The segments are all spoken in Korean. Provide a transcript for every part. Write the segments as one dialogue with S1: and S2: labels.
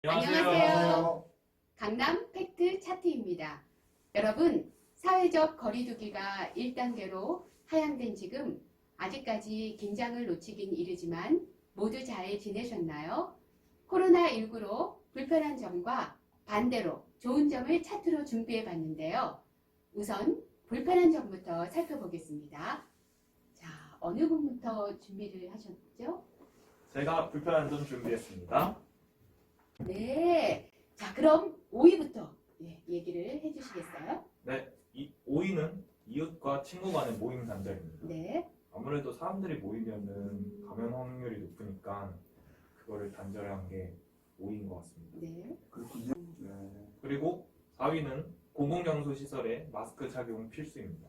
S1: 안녕하세요. 강남 팩트 차트입니다. 여러분, 사회적 거리두기가 1단계로 하향된 지금 아직까지 긴장을 놓치긴 이르지만 모두 잘 지내셨나요? 코로나19로 불편한 점과 반대로 좋은 점을 차트로 준비해 봤는데요. 우선 불편한 점부터 살펴보겠습니다. 자, 어느 분부터 준비를 하셨죠?
S2: 제가 불편한 점 준비했습니다.
S1: 네. 자, 그럼 5위부터 얘기를 해주시겠어요?
S2: 네, 5위는 이웃과 친구 간의 모임 단절입니다.
S1: 네.
S2: 아무래도 사람들이 모이면은 감염 확률이 높으니까 그거를 단절한 게 5위인 것 같습니다.
S1: 네.
S3: 그렇군요. 네.
S2: 그리고 4위는 공공장소 시설에 마스크 착용 필수입니다.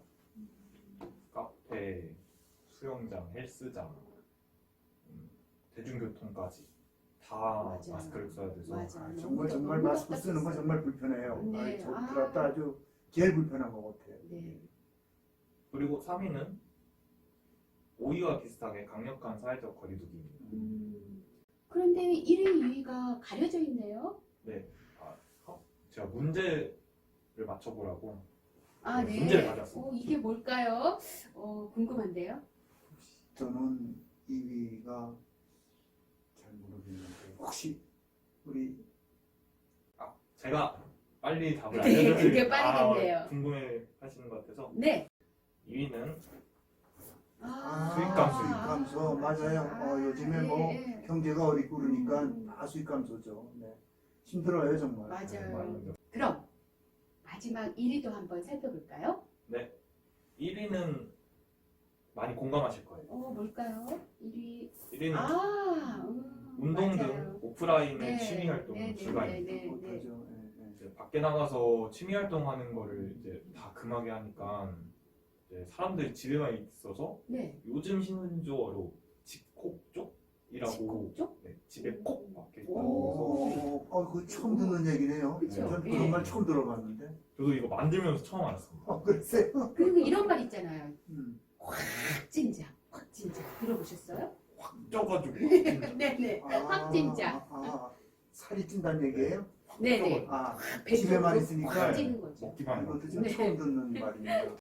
S2: 카페, 수영장, 헬스장, 대중교통까지 다
S1: 맞아요.
S2: 마스크를 써야 돼서
S1: 맞아요.
S3: 정말 마스크 쓰는 건 정말 불편해요.
S1: 네.
S3: 저 들었다 아주 제일 불편한 것 같아요.
S1: 네.
S2: 그리고 3위는 5위와 비슷하게 강력한 사회적 거리두기입니다.
S1: 그런데 1위, 2위가 가려져 있네요.
S2: 제가 문제를 맞춰보라고
S1: 아, 네.
S2: 문제를 가져왔습니다.
S1: 이게 뭘까요? 궁금한데요.
S3: 저는 2위가 잘 모르겠는데 혹시 우리
S2: 제가 빨리 답을
S1: 네,
S2: 알려드릴게요.
S1: 그게 빠르겠네요.
S2: 궁금해 하시는 것 같아서
S1: 네.
S2: 2위는
S3: 수익 감소 맞아요. 요즘에 뭐
S1: 네.
S3: 경제가 어렵고 그러니까 다 수익 감소죠. 네. 힘들어요 정말.
S1: 맞아요. 그럼 마지막 1위도 한번 살펴볼까요?
S2: 1위는 많이 공감하실 거예요.
S1: 뭘까요? 1위.
S2: 1위는 운동
S1: 맞아요.
S2: 등 오프라인의
S1: 네,
S2: 취미 활동을
S1: 네,
S2: 불가입니다.
S1: 네.
S3: 못하죠.
S2: 이제 밖에 나가서 취미 활동하는 거를 이제 다 금하게 하니까 이제 사람들이 집에만 있어서
S1: 네.
S2: 요즘 신조어로 집콕쪽이라고
S1: 집콕쪽?
S2: 네, 집에 콕 박혀 있다고
S1: 오.
S3: 그 처음 듣는 얘기네요.
S1: 그쵸?
S3: 전
S1: 예.
S3: 그런 말 처음 들어봤는데.
S2: 저도 이거 만들면서 처음 알았습니다.
S3: 글쎄요.
S1: 그리고 이런 말 있잖아요.
S3: 음.
S1: 확 진짜. 들어보셨어요?
S2: 확 쪄가지고 진짜
S1: 네네. 확 진짜.
S3: 살이 찐다는 얘기예요?
S1: 네네.
S3: 아,
S1: 배
S3: 집에만
S1: 쪽으로
S3: 있으니까
S1: 확 찌는 거죠.
S2: 먹기만 해도
S3: 이것도 좀
S1: 네.
S3: 처음 듣는 말입니다.